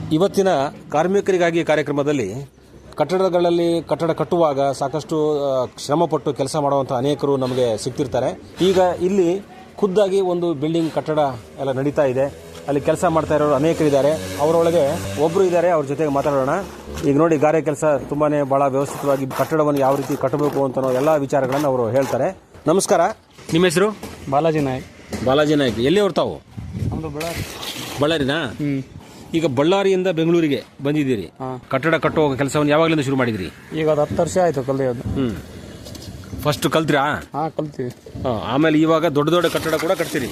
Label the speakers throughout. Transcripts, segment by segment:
Speaker 1: ಇವತ್ತಿನ ಕಾರ್ಮಿಕರಿಗಾಗಿ ಕಾರ್ಯಕ್ರಮದಲ್ಲಿ ಕಟ್ಟಡಗಳಲ್ಲಿ ಕಟ್ಟಡ ಕಟ್ಟುವಾಗ ಸಾಕಷ್ಟು ಶ್ರಮಪಟ್ಟು ಕೆಲಸ ಮಾಡುವಂಥ ಅನೇಕರು ನಮಗೆ ಸಿಗ್ತಿರ್ತಾರೆ. ಈಗ ಇಲ್ಲಿ ಖುದ್ದಾಗಿ ಒಂದು ಬಿಲ್ಡಿಂಗ್ ಕಟ್ಟಡ ಎಲ್ಲ ನಡೀತಾ ಇದೆ. ಅಲ್ಲಿ ಕೆಲಸ ಮಾಡ್ತಾ ಇರೋರು ಅನೇಕರಿದ್ದಾರೆ. ಅವರೊಳಗೆ ಒಬ್ಬರು ಇದ್ದಾರೆ, ಅವ್ರ ಜೊತೆಗೆ ಮಾತಾಡೋಣ. ಈಗ ನೋಡಿ, ಗಾರೆ ಕೆಲಸ ತುಂಬಾ ಭಾಳ ವ್ಯವಸ್ಥಿತವಾಗಿ ಕಟ್ಟಡವನ್ನು ಯಾವ ರೀತಿ ಕಟ್ಟಬೇಕು ಅಂತ ಎಲ್ಲ ವಿಚಾರಗಳನ್ನು ಅವರು ಹೇಳ್ತಾರೆ. ನಮಸ್ಕಾರ, ನಿಮ್ಮ ಹೆಸರು?
Speaker 2: ಬಾಲಾಜಿ ನಾಯ್ಕ್.
Speaker 1: ಬಾಲಾಜಿ ನಾಯ್ಕ್. ಎಲ್ಲಿ ಹೊರ್ತಾವು?
Speaker 2: ನಮ್ಮದು ಬಳ್ಳಾರಿ.
Speaker 1: ಬಳ್ಳಾರಿನಾ? ಈಗ ಬಳ್ಳಾರಿಯಿಂದ ಬೆಂಗಳೂರಿಗೆ ಬಂದಿದ್ದೀರಿ. ಕಟ್ಟಡ ಕಟ್ಟುವ ಕೆಲಸವನ್ನು ಯಾವಾಗಲಿಂದ ಶುರು ಮಾಡಿದ್ರಿ?
Speaker 2: ಈಗ ಅದು 10 ವರ್ಷ ಆಯ್ತು ಕಲಿಯೋದು.
Speaker 1: ಫಸ್ಟ್ ಕಲ್ತ್ರಾ?
Speaker 2: ಕಲ್ತೀವಿ.
Speaker 1: ಆಮೇಲೆ ಇವಾಗ ದೊಡ್ಡ ದೊಡ್ಡ ಕಟ್ಟಡ ಕೂಡ ಕಟ್ತೀರಿ?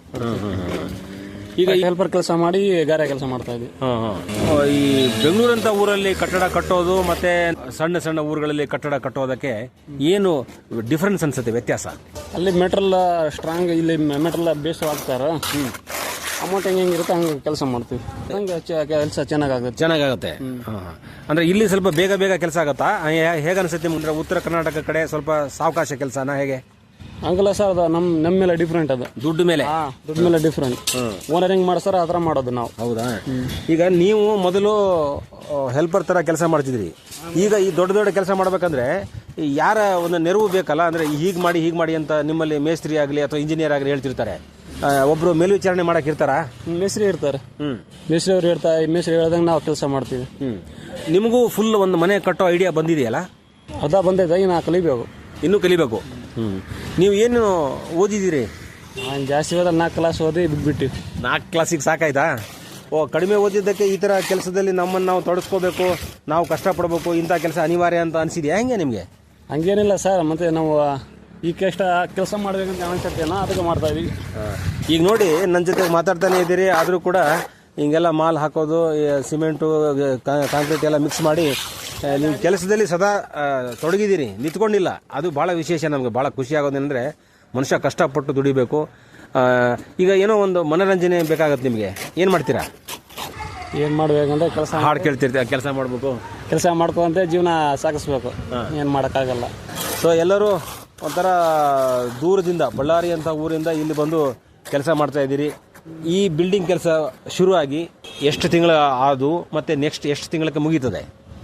Speaker 2: ಈಗ ಹೆಲ್ಪರ್ ಕೆಲಸ ಮಾಡಿ ಗಾರೆ ಕೆಲಸ ಮಾಡ್ತಾ ಇದ್ವಿ.
Speaker 1: ಈ ಬೆಂಗಳೂರಂತ ಊರಲ್ಲಿ ಕಟ್ಟಡ ಕಟ್ಟೋದು ಮತ್ತೆ ಸಣ್ಣ ಸಣ್ಣ ಊರುಗಳಲ್ಲಿ ಕಟ್ಟಡ ಕಟ್ಟೋದಕ್ಕೆ ಏನು ಡಿಫರೆನ್ಸ್ ಅನ್ಸುತ್ತೆ, ವ್ಯತ್ಯಾಸ?
Speaker 2: ಅಲ್ಲಿ ಮೆಟೀರಿಯಲ್ ಸ್ಟ್ರಾಂಗ್, ಇಲ್ಲಿ ಮೆಟೀರಿಯಲ್ ಬೇಸ್ ಹಾಕ್ತಾರ. ಅಮೌಂಟ್ ಹೆಂಗಿರುತ್ತೆ ಹಂಗೆ ಕೆಲಸ ಮಾಡ್ತೀವಿ. ಹಂಗೆ ಕೆಲಸ ಚೆನ್ನಾಗಾಗುತ್ತೆ. ಅಂದ್ರೆ ಇಲ್ಲಿ ಸ್ವಲ್ಪ ಬೇಗ ಬೇಗ ಕೆಲಸ ಆಗತ್ತಾ? ಹೇಗೆ ಅನ್ಸುತ್ತೆ? ಮುಂದೆ ಉತ್ತರ ಕರ್ನಾಟಕ ಕಡೆ ಸ್ವಲ್ಪ ಸಾವಕಾಶ ಕೆಲಸನ ಹೇಗೆ? ಹಂಗಲ್ಲ ಸರ್, ಅದು ನಮ್ಮ ಮೇಲೆ ಡಿಫ್ರೆಂಟ್. ಅದು ದುಡ್ಡು ಮೇಲೆ ಡಿಫ್ರೆಂಟ್. ಓನರ್ ಹೆಂಗ್ ಮಾಡ್ಸಾರ ಆ ಥರ ಮಾಡೋದು ನಾವು.
Speaker 1: ಹೌದಾ? ಈಗ ನೀವು ಮೊದಲು ಹೆಲ್ಪರ್ ತರ ಕೆಲಸ ಮಾಡ್ತಿದ್ರಿ. ಈಗ ಈ ದೊಡ್ಡ ದೊಡ್ಡ ಕೆಲಸ ಮಾಡ್ಬೇಕಂದ್ರೆ ಯಾರ ಒಂದು ನೆರವು ಬೇಕಲ್ಲ? ಅಂದ್ರೆ ಹೀಗೆ ಮಾಡಿ ಅಂತ ನಿಮ್ಮಲ್ಲಿ ಮೇಸ್ತ್ರಿ ಆಗಲಿ ಅಥವಾ ಇಂಜಿನಿಯರ್ ಆಗಲಿ ಹೇಳ್ತಿರ್ತಾರೆ. ಒಬ್ರು ಮೇಲ್ವಿಚಾರಣೆ ಮಾಡಕ್ ಇರ್ತಾರ?
Speaker 2: ಮೇಸ್ತ್ರಿ ಇರ್ತಾರೆ. ಮೇಸ್ತ್ರಿ ಅವ್ರು ಇರ್ತಾರೆ. ಮೇಸ್ತ್ರಿ ಹೇಳ್ದಂಗೆ ನಾವು ಕೆಲಸ ಮಾಡ್ತೀವಿ.
Speaker 1: ನಿಮಗೂ ಫುಲ್ ಒಂದು ಮನೆ ಕಟ್ಟೋ ಐಡಿಯಾ ಬಂದಿದೆಯಲ್ಲ?
Speaker 2: ಅದ ಬಂದೈತೆ, ನಾ ಕಲಿಬೇಕು.
Speaker 1: ಇನ್ನೂ ಕಲಿಬೇಕು. ನೀವು ಏನು ಓದಿದ್ದೀರಿ?
Speaker 2: ಜಾಸ್ತಿ ಓದ 4 ಕ್ಲಾಸ್ ಓದಿ ಬಿಟ್ಬಿಟ್ಟು.
Speaker 1: 4 ಕ್ಲಾಸಿಗೆ ಸಾಕಾಯ್ತಾ? ಕಡಿಮೆ ಓದಿದ್ದಕ್ಕೆ ಈ ತರ ಕೆಲಸದಲ್ಲಿ ನಮ್ಮನ್ನು ನಾವು ತೊಡಸ್ಕೋಬೇಕು, ನಾವು ಕಷ್ಟಪಡಬೇಕು, ಇಂಥ ಕೆಲಸ ಅನಿವಾರ್ಯ ಅಂತ ಅನ್ಸಿದ್ಯಾ ಹೆಂಗೆ ನಿಮಗೆ?
Speaker 2: ಹಂಗೇನಿಲ್ಲ ಸರ್, ಮತ್ತೆ ನಾವು ಈ ಕೆಲಸ ಮಾಡ್ಬೇಕಂತ ಅನ್ಸುತ್ತೇನೋ ಅದಕ್ಕೆ ಮಾಡ್ತಾ ಇದೀವಿ.
Speaker 1: ಈಗ ನೋಡಿ, ನನ್ನ ಜೊತೆ ಮಾತಾಡ್ತಾನೆ ಇದ್ದೀರಿ, ಆದರೂ ಕೂಡ ಹಿಂಗೆಲ್ಲ ಮಾಲ್ ಹಾಕೋದು, ಸಿಮೆಂಟು, ಕಾಂಕ್ರೀಟ್ ಎಲ್ಲ ಮಿಕ್ಸ್ ಮಾಡಿ ನೀವು ಕೆಲಸದಲ್ಲಿ ಸದಾ ತೊಡಗಿದ್ದೀರಿ, ನಿಂತ್ಕೊಂಡಿಲ್ಲ. ಅದು ಭಾಳ ವಿಶೇಷ. ನಮಗೆ ಭಾಳ ಖುಷಿ ಆಗೋದೇನೆಂದರೆ ಮನುಷ್ಯ ಕಷ್ಟಪಟ್ಟು ದುಡಿಬೇಕು. ಈಗ ಏನೋ ಒಂದು ಮನೋರಂಜನೆ ಬೇಕಾಗತ್ತೆ ನಿಮಗೆ. ಏನು ಮಾಡ್ತೀರಾ?
Speaker 2: ಏನು ಮಾಡ್ಬೇಕಂದ್ರೆ ಕೆಲಸ,
Speaker 1: ಹಾಡು ಕೇಳ್ತಿರ್ತೀರ, ಕೆಲಸ ಮಾಡಬೇಕು,
Speaker 2: ಕೆಲಸ ಮಾಡ್ಕೊಂತ ಜೀವನ ಸಾಗಿಸ್ಬೇಕು. ಏನು ಮಾಡೋಕ್ಕಾಗಲ್ಲ.
Speaker 1: ಸೊ ಎಲ್ಲರೂ ಒಂಥರ ದೂರದಿಂದ, ಬಳ್ಳಾರಿ ಅಂತ ಊರಿಂದ ಇಲ್ಲಿ ಬಂದು ಕೆಲಸ ಮಾಡ್ತಾ ಇದ್ದೀರಿ. ಈ ಬಿಲ್ಡಿಂಗ್ ಕೆಲಸ ಶುರುವಾಗಿ ಎಷ್ಟು ತಿಂಗಳ ಆದು ಮತ್ತೆ ನೆಕ್ಸ್ಟ್ ಎಷ್ಟು ತಿಂಗಳಕ್ಕೆ ಮುಗೀತದೆ?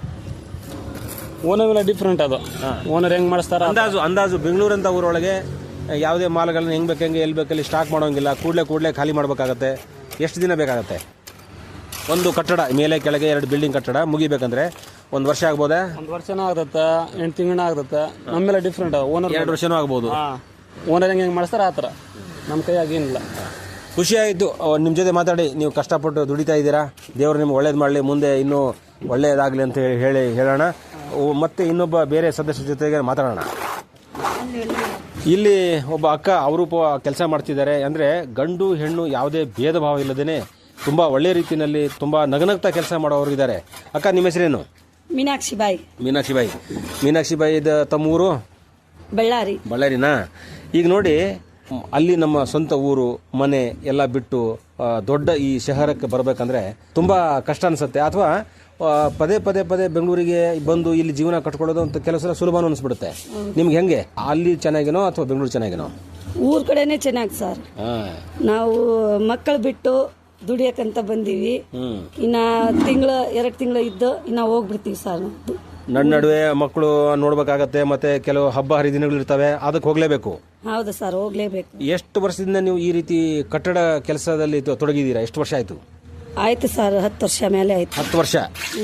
Speaker 2: Owner different. ಅದು ಓನರ್ ಹೆಂಗ್ ಮಾಡಿಸ್ತಾರ
Speaker 1: ಅಂದಾಜು ಬೆಂಗಳೂರಂತ ಊರೊಳಗೆ ಯಾವುದೇ ಮಾಲ್ಗಳನ್ನ ಹೆಂಗ್ ಬೇಕಂಗೆ ಎಲ್ಲಿ ಬೇಕಲ್ಲಿ ಸ್ಟಾಕ್ ಮಾಡೋಂಗಿಲ್ಲ, ಕೂಡಲೇ ಖಾಲಿ ಮಾಡಬೇಕಾಗತ್ತೆ. ಎಷ್ಟು ದಿನ ಬೇಕಾಗತ್ತೆ ಒಂದು ಕಟ್ಟಡ ಮೇಲೆ ಕೆಳಗೆ 2 ಬಿಲ್ಡಿಂಗ್ ಕಟ್ಟಡ ಮುಗಿಬೇಕಂದ್ರೆ? 1 ವರ್ಷ ಆಗ್ಬೋದಾ?
Speaker 2: 1 ವರ್ಷನೂ ಆಗತ್ತೆ, 8 ತಿಂಗಳೂ ಆಗತ್ತೆ. ನಮ್ಮ ಮೇಲೆ ಡಿಫ್ರೆಂಟ್. ಓನರ್
Speaker 1: 2 ವರ್ಷನೂ ಆಗ್ಬೋದು.
Speaker 2: ಓನರ್ ಹೆಂಗ್ ಮಾಡಿಸ್ತಾರ ಆ ಥರ ನಮ್ಮ ಕೈಯಾಗಿ ಏನಿಲ್ಲ.
Speaker 1: ಖುಷಿ ಆಯಿತು ನಿಮ್ಮ ಜೊತೆ ಮಾತಾಡಿ. ನೀವು ಕಷ್ಟಪಟ್ಟು ದುಡಿತಾ ಇದ್ದೀರಾ. ದೇವರು ನಿಮ್ಗೆ ಒಳ್ಳೇದು ಮಾಡಲಿ, ಮುಂದೆ ಇನ್ನೂ ಒಳ್ಳೆಯದಾಗಲಿ ಅಂತ ಹೇಳೋಣ. ಮತ್ತೆ ಇನ್ನೊಬ್ಬ ಬೇರೆ ಸದಸ್ಯರ ಜೊತೆಗೆ ಮಾತಾಡೋಣ. ಇಲ್ಲಿ ಒಬ್ಬ ಅಕ್ಕ ಅಪರೂಪ ಕೆಲಸ ಮಾಡ್ತಿದ್ದಾರೆ. ಅಂದರೆ ಗಂಡು ಹೆಣ್ಣು ಯಾವುದೇ ಭೇದ ಭಾವ ಇಲ್ಲದೇ ತುಂಬ ಒಳ್ಳೆ ರೀತಿಯಲ್ಲಿ ತುಂಬ ನಗನಗ್ತಾ ಕೆಲಸ ಮಾಡೋರು ಇದ್ದಾರೆ. ಅಕ್ಕ, ನಿಮ್ಮ ಹೆಸರೇನು?
Speaker 3: ಮೀನಾಕ್ಷಿ ಬಾಯಿ.
Speaker 1: ಮೀನಾಕ್ಷಿ ಬಾಯಿ. ತಮ್ಮೂರು? ಬಳ್ಳಾರಿನಾ? ಈಗ ನೋಡಿ, ಅಲ್ಲಿ ನಮ್ಮ ಸ್ವಂತ ಊರು ಮನೆ ಎಲ್ಲ ಬಿಟ್ಟು ದೊಡ್ಡ ಈ ಶಹರಕ್ಕೆ ಬರಬೇಕಂದ್ರೆ ತುಂಬ ಕಷ್ಟ ಅನಿಸುತ್ತೆ. ಅಥವಾ ಪದೇ ಬೆಂಗಳೂರಿಗೆ ಬಂದು ಇಲ್ಲಿ ಜೀವನ ಕಟ್ಕೊಳ್ಳೋದು ಅಂತ ಕೆಲಸ ಸುಲಭನೂ ಅನಿಸ್ಬಿಡುತ್ತೆ. ನಿಮ್ಗೆ ಹೆಂಗೆ? ಅಲ್ಲಿ ಚೆನ್ನಾಗಿನೋ ಅಥವಾ ಬೆಂಗಳೂರು ಚೆನ್ನಾಗಿನೋ?
Speaker 3: ಊರ್ ಕಡೆನೆ ಚೆನ್ನಾಗಿ ಸರ್. ನಾವು ಮಕ್ಕಳು ಬಿಟ್ಟು ದುಡಿಯಕಂತ ಬಂದೀವಿ. ಇನ್ನ 2 ತಿಂಗಳು ಇದ್ದು ಇನ್ನ ಹೋಗ್ಬಿಡ್ತೀವಿ ಸರ್.
Speaker 1: ನಡುವೆ ಮಕ್ಕಳು ನೋಡ್ಬೇಕಾಗತ್ತೆ, ಮತ್ತೆ ಕೆಲವು ಹಬ್ಬ ಹರಿದಿನಗಳು ಇರ್ತವೆ, ಅದಕ್ಕೆ ಹೋಗ್ಲೇಬೇಕು.
Speaker 3: ಹೌದು ಸರ್, ಹೋಗ್ಲೇಬೇಕು. ಎಷ್ಟು
Speaker 1: ವರ್ಷದಿಂದ ನೀವು ಈ ರೀತಿ ಕಟ್ಟಡ ಕೆಲಸದಲ್ಲಿ ತೊಡಗಿದ್ದೀರಾ? ಎಷ್ಟು ವರ್ಷ ಆಯ್ತು?
Speaker 3: ಆಯ್ತು ಸರ್, 10 ವರ್ಷ ಮೇಲೆ ಆಯ್ತು.
Speaker 1: 10 ವರ್ಷ.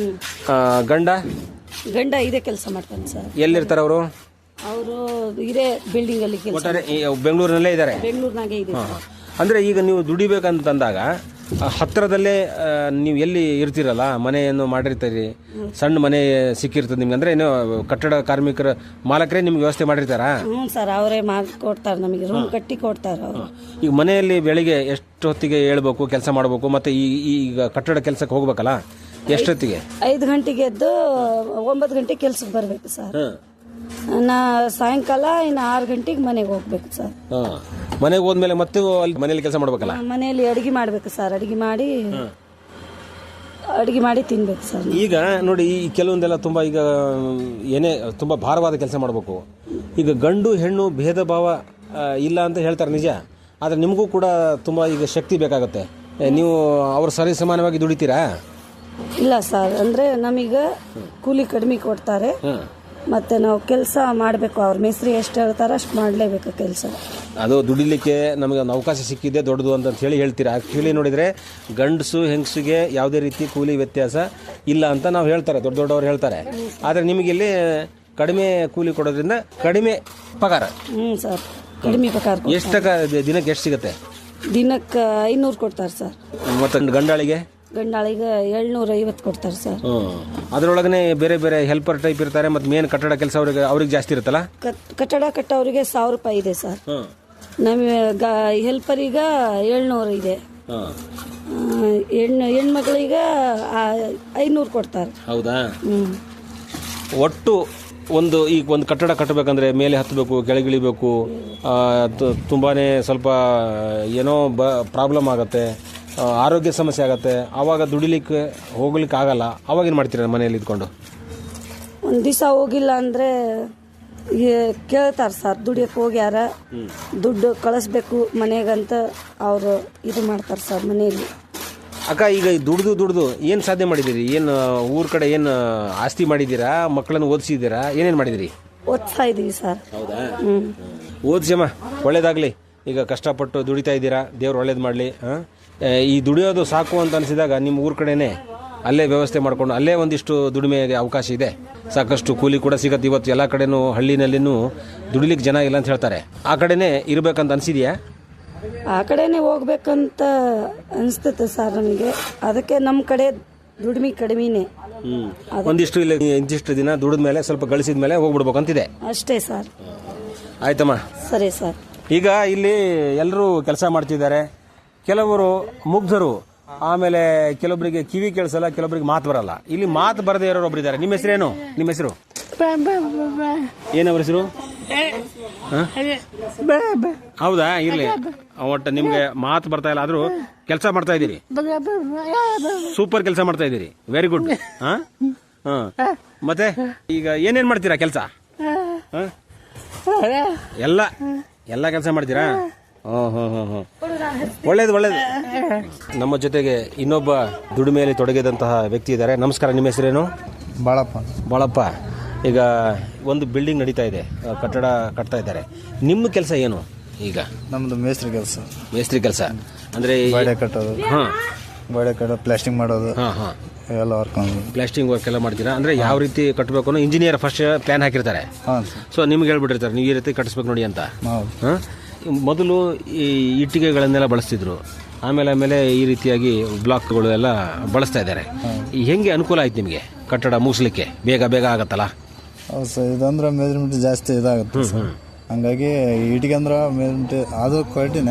Speaker 1: ಗಂಡ
Speaker 3: ಇದೇ ಕೆಲಸ ಮಾಡ್ತಾನೆ ಸರ್.
Speaker 1: ಎಲ್ಲಿರ್ತಾರೆ ಅವರು?
Speaker 3: ಇದೇ ಬಿಲ್ಡಿಂಗ್ ಅಲ್ಲಿ
Speaker 1: ಬೆಂಗಳೂರಿನಲ್ಲೇ ಇದ್ದಾರೆ?
Speaker 3: ಬೆಂಗಳೂರಿನಾಗೆ ಇದೆ.
Speaker 1: ಅಂದ್ರೆ ಈಗ ನೀವು ದುಡಿಬೇಕಂತಂದಾಗ ಹತ್ತಿರದಲ್ಲೇ ನೀವು ಎಲ್ಲಿ ಇರ್ತೀರಲ್ಲ, ಮನೆಯನ್ನು ಮಾಡಿರ್ತೀರಿ, ಸಣ್ಣ ಮನೆ ಸಿಕ್ಕಿರ್ತದೆ ನಿಮ್ಗೆ. ಅಂದ್ರೆ ಏನು ಕಟ್ಟಡ ಕಾರ್ಮಿಕರ ಮಾಲಕರೇ ನಿಮ್ಗೆ ವ್ಯವಸ್ಥೆ ಮಾಡಿರ್ತಾರಾ?
Speaker 3: ಹ್ಞೂ ಸರ್, ಅವರೇ ಮಾಡಿಕೊಡ್ತಾರೆ ನಮಗೆ, ರೂಮ್ ಕಟ್ಟಿ ಕೊಡ್ತಾರೆ ಅವರು.
Speaker 1: ಈಗ ಮನೆಯಲ್ಲಿ ಬೆಳಿಗ್ಗೆ ಎಷ್ಟು ಹೊತ್ತಿಗೆ ಹೇಳ್ಬೇಕು, ಕೆಲಸ ಮಾಡಬೇಕು, ಮತ್ತೆ ಈಗ ಕಟ್ಟಡ ಕೆಲಸಕ್ಕೆ ಹೋಗ್ಬೇಕಲ್ಲ, ಎಷ್ಟೊತ್ತಿಗೆ?
Speaker 3: 5 ಗಂಟೆಗೆ ಎದ್ದು 9 ಗಂಟೆಗೆ ಕೆಲ್ಸಕ್ಕೆ ಬರಬೇಕು ಸರ್. ಸಾಯಂಕಾಲ ಇನ್ನು 6 ಗಂಟೆಗೆ ಮನೆಗೆ ಹೋಗ್ಬೇಕು ಸರ್.
Speaker 1: ಮನೆಗೆ ಹೋದ್ಮೇಲೆ ಮತ್ತೆ ಮನೇಲಿ ಕೆಲಸ ಮಾಡ್ಬೇಕಲ್ಲ?
Speaker 3: ಮನೆಯಲ್ಲಿ ಅಡಿಗೆ ಮಾಡ್ಬೇಕು ಸರ್. ಅಡಿಗೆ ಮಾಡಿ ತಿನ್ಬೇಕು ಸರ್.
Speaker 1: ಈಗ ನೋಡಿ, ಈ ಕೆಲವೊಂದೆಲ್ಲ ತುಂಬಾ ಈಗ ಏನೇ ತುಂಬಾ ಭಾರವಾದ ಕೆಲಸ ಮಾಡಬೇಕು. ಈಗ ಗಂಡು ಹೆಣ್ಣು ಭೇದ ಭಾವ ಇಲ್ಲ ಅಂತ ಹೇಳ್ತಾರೆ, ನಿಜ. ಆದ್ರೆ ನಿಮಗೂ ಕೂಡ ತುಂಬಾ ಈಗ ಶಕ್ತಿ ಬೇಕಾಗತ್ತೆ. ನೀವು ಅವ್ರ ಸರಿ ಸಮಾನವಾಗಿ ದುಡಿತೀರಾ?
Speaker 3: ಇಲ್ಲ ಸರ್, ಅಂದರೆ ನಮಗೆ ಕೂಲಿ ಕಡಿಮೆ ಕೊಡ್ತಾರೆ. ಮತ್ತೆ ನಾವು ಕೆಲಸ ಮಾಡಬೇಕು. ಅವ್ರ ಮೇಸ್ತ್ರಿ ಎಷ್ಟು ಹೇಳ್ತಾರೆ ಅಷ್ಟು ಮಾಡಲೇಬೇಕು ಕೆಲಸ.
Speaker 1: ಅದು ದುಡಿಲಿಕ್ಕೆ ನಮಗೆ ಒಂದು ಅವಕಾಶ ಸಿಕ್ಕಿದೆ ದೊಡ್ಡದು ಅಂತ ಹೇಳಿ ಹೇಳ್ತೀರಾ. ಆ್ಯಕ್ಚುಲಿ ನೋಡಿದರೆ ಗಂಡಸು ಹೆಂಗಸಿಗೆ ಯಾವುದೇ ರೀತಿ ಕೂಲಿ ವ್ಯತ್ಯಾಸ ಇಲ್ಲ ಅಂತ ನಾವು ಹೇಳ್ತಾರೆ, ದೊಡ್ಡವರು ಹೇಳ್ತಾರೆ. ಆದರೆ ನಿಮಗೆ ಇಲ್ಲಿ ಕಡಿಮೆ ಕೂಲಿ ಕೊಡೋದ್ರಿಂದ ಕಡಿಮೆ ಪಗಾರ.
Speaker 3: ಸರ್, ಕಡಿಮೆ ಪಗಾರ.
Speaker 1: ಎಷ್ಟು ದಿನಕ್ಕೆ ಎಷ್ಟು ಸಿಗುತ್ತೆ?
Speaker 3: ದಿನಕ್ಕೆ 500 ಕೊಡ್ತಾರೆ ಸರ್.
Speaker 1: ಮತ್ತು ಗಂಡಾಳಿಗೆ
Speaker 3: 750 ಕೊಡ್ತಾರೆ ಸರ್.
Speaker 1: ಅದರೊಳಗನೆ ಬೇರೆ ಬೇರೆ ಹೆಲ್ಪರ್ ಟೈಪ್ ಇರ್ತಾರೆ, ಮತ್ತು ಮೇನ್ ಕಟ್ಟಡ ಕೆಲಸ ಅವ್ರಿಗೆ ಜಾಸ್ತಿ ಇರುತ್ತಲ್ಲ.
Speaker 3: ಕಟ್ಟಡ ಕಟ್ಟೋರಿಗೆ 1000 ರೂಪಾಯಿ ಇದೆ ಸರ್. ನಮಗೆ ಹೆಲ್ಪರಿಗೆ 700 ಇದೆ. ಹೆಣ್ಮಕ್ಳಿಗೆ 500 ಕೊಡ್ತಾರೆ.
Speaker 1: ಹೌದಾ? ಒಟ್ಟು ಈಗ ಒಂದು ಕಟ್ಟಡ ಕಟ್ಟಬೇಕಂದ್ರೆ ಮೇಲೆ ಹತ್ತಬೇಕು, ಕೆಳಗಿಳಿಬೇಕು, ತುಂಬಾ ಸ್ವಲ್ಪ ಏನೋ ಪ್ರಾಬ್ಲಮ್ ಆಗುತ್ತೆ, ಆರೋಗ್ಯ ಸಮಸ್ಯೆ ಆಗುತ್ತೆ. ಆವಾಗ ದುಡಿಲಿಕ್ಕೆ ಹೋಗ್ಲಿಕ್ಕೆ ಆಗಲ್ಲ. ಅವಾಗ ಏನು ಮಾಡ್ತೀರ ಮನೆಯಲ್ಲಿ ಇದ್ಕೊಂಡು?
Speaker 3: ಒಂದು ದಿವಸ ಹೋಗಿಲ್ಲ ಅಂದರೆ ಕೇಳ್ತಾರೆ ಸರ್, ದುಡಿಯಕ್ಕೆ ಹೋಗ್ಯಾರ, ದುಡ್ಡು ಕಳಿಸ್ಬೇಕು ಮನೆಗಂತ ಅವರು ಇದು ಮಾಡ್ತಾರೆ ಸರ್ ಮನೆಯಲ್ಲಿ.
Speaker 1: ಅಕ್ಕ, ಈಗ ದುಡ್ದು ಏನು ಸಾಧನೆ ಮಾಡಿದ್ದೀರಿ? ಏನು ಊರ ಕಡೆ ಏನು ಆಸ್ತಿ ಮಾಡಿದ್ದೀರಾ? ಮಕ್ಕಳನ್ನು ಓದಿಸಿದ್ದೀರಾ? ಏನೇನು ಮಾಡಿದಿರಿ?
Speaker 3: ಓದ್ತಾ ಇದ್ದೀವಿ ಸರ್.
Speaker 1: ಹೌದಾ? ಓದಿಸಮ್ಮ, ಒಳ್ಳೇದಾಗಲಿ. ಈಗ ಕಷ್ಟಪಟ್ಟು ದುಡಿತಾ ಇದ್ದೀರಾ, ದೇವ್ರು ಒಳ್ಳೇದು ಮಾಡಲಿ. ಈ ದುಡಿಯೋದು ಸಾಕು ಅಂತ ಅನಿಸಿದಾಗ ನಿಮ್ಮ ಊರ ಕಡೆನೇ ಅಲ್ಲೇ ವ್ಯವಸ್ಥೆ ಮಾಡಿಕೊಂಡು ಅಲ್ಲೇ ಒಂದಿಷ್ಟು ದುಡಿಮೆಗೆ ಅವಕಾಶ ಇದೆ. ಸಾಕಷ್ಟು ಕೂಲಿ ಕೂಡ ಸಿಗುತ್ತೆ. ಇವತ್ತು ಎಲ್ಲ ಕಡೆನೂ ಹಳ್ಳಿನಲ್ಲಿನೂ ದುಡಿಲಿಕ್ಕೆ ಜನ ಇಲ್ಲ ಅಂತ ಹೇಳ್ತಾರೆ. ಆ ಕಡೆನೇ ಇರಬೇಕಂತ ಅನಿಸಿದೆಯಾ?
Speaker 3: ಆ ಕಡೆನೇ ಹೋಗ್ಬೇಕಂತ ಅನಿಸ್ತೈತೆ ಸರ್ ನಮಗೆ. ಅದಕ್ಕೆ ನಮ್ಮ ಕಡೆ ದುಡಿಮೆ ಕಡಿಮೆನೇ.
Speaker 1: ಒಂದಿಷ್ಟು ಇಲ್ಲ ಇಂತಿಷ್ಟು ದಿನ ದುಡಿದ ಮೇಲೆ ಸ್ವಲ್ಪ ಗಳಿಸಿದ ಮೇಲೆ ಹೋಗ್ಬಿಡ್ಬೇಕಂತಿದೆ
Speaker 3: ಅಷ್ಟೇ ಸರ್.
Speaker 1: ಆಯ್ತಮ್ಮ,
Speaker 3: ಸರಿ ಸರ್.
Speaker 1: ಈಗ ಇಲ್ಲಿ ಎಲ್ಲರೂ ಕೆಲಸ ಮಾಡ್ತಿದ್ದಾರೆ. ಕೆಲವರು ಮುಗ್ಧರು, ಆಮೇಲೆ ಕೆಲವೊಬ್ಬರಿಗೆ ಕಿವಿ ಕೇಳಿಸಲ್ಲ, ಕೆಲವೊಬ್ಬರಿಗೆ ಮಾತು ಬರಲ್ಲ. ಇಲ್ಲಿ ಮಾತು ಬರದೇ ಇರೋರು ಒಬ್ರು ಇದ್ದಾರೆ. ನಿಮ್ಮ ಹೆಸರೇನು? ನಿಮ್ಮ ಹೆಸರು ಏನವ್ರ ಹೆಸರು? ಹೌದಾ? ಇರ್ಲಿ, ಒಟ್ಟು ನಿಮ್ಗೆ ಮಾತು ಬರ್ತಾ ಇಲ್ಲ, ಆದ್ರೂ ಕೆಲಸ ಮಾಡ್ತಾ ಇದ್ದೀರಿ. ಸೂಪರ್ ಕೆಲಸ ಮಾಡ್ತಾ ಇದ್ದೀರಿ. Very good. ಮತ್ತೆ ಈಗ ಏನೇನ್ ಮಾಡ್ತೀರಾ ಕೆಲಸ? ಎಲ್ಲ ಕೆಲಸ ಮಾಡ್ತೀರಾ? ಒಳ್ಳೇದು. ನಮ್ಮ ಜೊತೆಗೆ ಇನ್ನೊಬ್ಬ ದುಡಿಮೆಯಲ್ಲಿ ತೊಡಗಿದಂತಹ ವ್ಯಕ್ತಿ ಇದ್ದಾರೆ. ನಮಸ್ಕಾರ, ನಿಮ್ಮ ಹೆಸರೇನು? ಬಾಳಪ್ಪ. ಈಗ ಒಂದು ಬಿಲ್ಡಿಂಗ್ ನಡೀತಾ ಇದೆ, ಕಟ್ಟಡ ಕಟ್ತಾ ಇದ್ದಾರೆ. ನಿಮ್ಮ ಕೆಲಸ ಏನು ಈಗ?
Speaker 4: ನಮ್ದು ಮೇಸ್ತ್ರಿ
Speaker 1: ಕೆಲಸ ಅಂದ್ರೆ
Speaker 4: ಗೋಡೆ ಕಟ್ಟೋದು, ಗೋಡೆ ಕಟ್ಟೋದು, ಪ್ಲಾಸ್ಟಿಂಗ್ ಮಾಡೋದು, ಎಲ್ಲ ವರ್ಕ್.
Speaker 1: ಪ್ಲಾಸ್ಟಿಂಗ್ ವರ್ಕ್ ಎಲ್ಲ ಮಾಡ್ತೀರಾ? ಅಂದ್ರೆ ಯಾವ ರೀತಿ ಕಟ್ಟಬೇಕು ಅನ್ನೋ ಇಂಜಿನಿಯರ್ ಫಸ್ಟ್ ಪ್ಲಾನ್ ಹಾಕಿರ್ತಾರೆ. ಸೊ ನಿಮ್ಗೆ ಹೇಳ್ಬಿಟ್ಟಿರ್ತಾರೆ ನೀವು ಈ ರೀತಿ ಕಟ್ಟಿಸ್ಬೇಕು ನೋಡಿ ಅಂತ. ಮೊದಲು ಈ ಇಟ್ಟಿಗೆಗಳನ್ನೆಲ್ಲ ಬಳಸ್ತಿದ್ರು, ಆಮೇಲೆ ಈ ರೀತಿಯಾಗಿ ಬ್ಲಾಕ್ಗಳು ಎಲ್ಲ ಬಳಸ್ತಾ ಇದ್ದಾರೆ. ಹೆಂಗೆ ಅನುಕೂಲ ಆಯ್ತು ನಿಮಗೆ ಕಟ್ಟಡ ಮುಗಿಸ್ಲಿಕ್ಕೆ? ಬೇಗ ಆಗತ್ತಲ್ಲ?
Speaker 4: ಹೌದು ಸರ್, ಇದಂದ್ರೆ ಮೆಜರ್ಮೆಂಟ್ ಜಾಸ್ತಿ ಇದಾಗುತ್ತೆ ಸರ್. ಹಂಗಾಗಿ ಇಟ್ಟಿಗೆ ಅಂದ್ರೆ ಮೆಜರ್ಮೆಂಟ್ ಅದು ಕ್ವಾಲಿಟಿನೇ